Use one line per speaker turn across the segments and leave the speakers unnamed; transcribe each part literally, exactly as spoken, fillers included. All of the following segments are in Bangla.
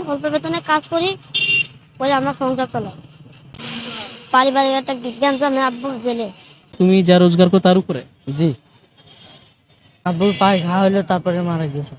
অল্প বেতনে কাজ করি, করে আমরা সংসার চালাই। পারিবারিক একটা টেনশন, আব্বু জেলে।
তুমি যা রোজগার করো তার উপরে?
জি, আব্বুর পায়ে ঘা হইলো, তারপরে মারা গেছে।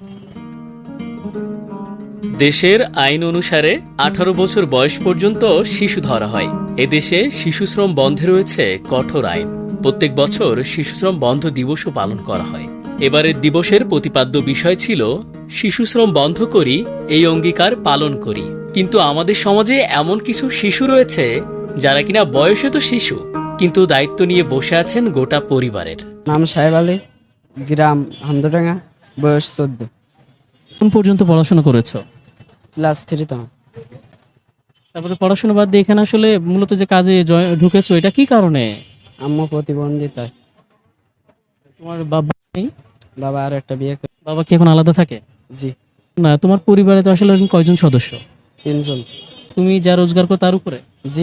দেশের আইন অনুসারে আঠারো বছর বয়স পর্যন্ত শিশু ধরা হয়। এদেশে শিশুশ্রম বন্ধে রয়েছে কঠোর আইন। প্রত্যেক বছর শিশুশ্রম বন্ধ দিবসও পালন করা হয়। এবারের দিবসের প্রতিপাদ্য বিষয় ছিল শিশুশ্রম বন্ধ করি, এই অঙ্গীকার পালন করি। কিন্তু আমাদের সমাজে এমন কিছু শিশু রয়েছে যারা কিনা বয়সে তো শিশু, কিন্তু দায়িত্ব নিয়ে বসে আছেন গোটা পরিবারের।
নাম সাহেব আলী, গ্রাম হামদোডাঙ্গা, বয়স চোদ্দ।
কোন পর্যন্ত পড়াশোনা করেছো?
ক্লাস থ্রি তো।
তারপরে পড়াশোনা বাদ দিয়ে এখানে আসলে মূলত যে কাজে জয়- ঢুকেছো, এটা কি কারণে?
আম্মু প্রতিবন্ধিতায়।
তোমার বাবা নেই?
বাবা আর একটা বিয়ে করে।
বাবা কি এখন আলাদা থাকে?
জি,
না, তোমার পরিবারে তো আসলে এখন কয়জন সদস্য?
তিনজন।
তুমি যা রোজগার করো তার উপরে?
জি,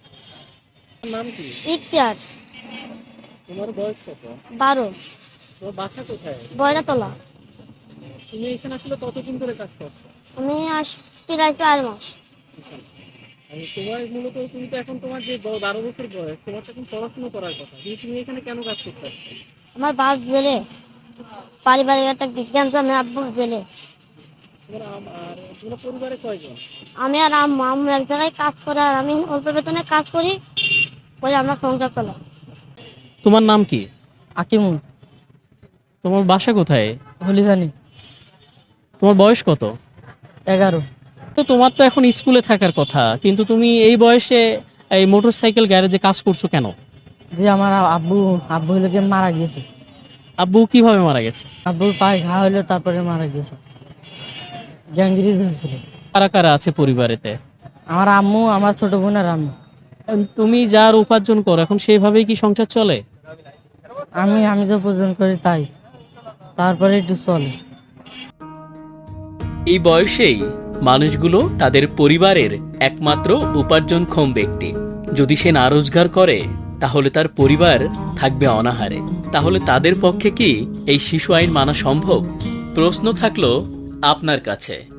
ইতিহাস
তোমার বয়স কত?
বারো,
তোমার বাসা কোথায়?
বয়রাতলা।
তুমি এখানে আসলে কতদিন ধরে কাজ করছো?
আমি আসতে রাইছি আর মাস।
তোমার মূলত তুমি তো এখন তোমার যে ব- বারো বছর বয়স, তোমার তো এখন পড়াশোনা করার কথা, কিন্তু তুমি এখানে কেন কাজ করতে আসছো?
আমার বাস জেলে, পারিবারিক একটা টেনশন, আব্বু জেলে।
তোমার আম- আর তোমার পরিবারে কয়জন?
আমি আর আম্মু আম্মু এক জায়গায় কাজ করে, আর আমি অল্প বেতনে কাজ করি, করে আমরা সংসার চালাই।
তোমার নাম কি?
আকিমুল,
তোমার বাসা কোথায়?
হলিদানি,
তোমার বয়স কত?
এগারো।
তো তোমার তো এখন স্কুলে থাকার কথা, কিন্তু তুমি এই বয়সে এই মোটরসাইকেল গ্যারেজে কাজ করছো কেন?
যে আমার আব্বু আব্বু হইলো গিয়ে মারা গেছে।
আব্বু কিভাবে মারা গেছে?
আব্বুর পায়ে ঘা হইলো, তারপরে মারা গেছে। গ্যাংরিজ হয়েছিল।
কারা কারা আছে পরিবারেতে?
আমার আম্মু, আমার ছোট বোন আর আমি।
তুমি যার উপার্জন করো এখন সেইভাবেই কি সংসার চলে?
আমি আমি যে উপার্জন করি তাই, তারপরে একটু চলে।
এই বয়সেই মানুষগুলো তাদের পরিবারের একমাত্র উপার্জনক্ষম ব্যক্তি। যদি সে না রোজগার করে তাহলে তার পরিবার থাকবে অনাহারে। তাহলে তাদের পক্ষে কি এই শিশু আইন মানা সম্ভব? প্রশ্ন থাকলো আপনার কাছে।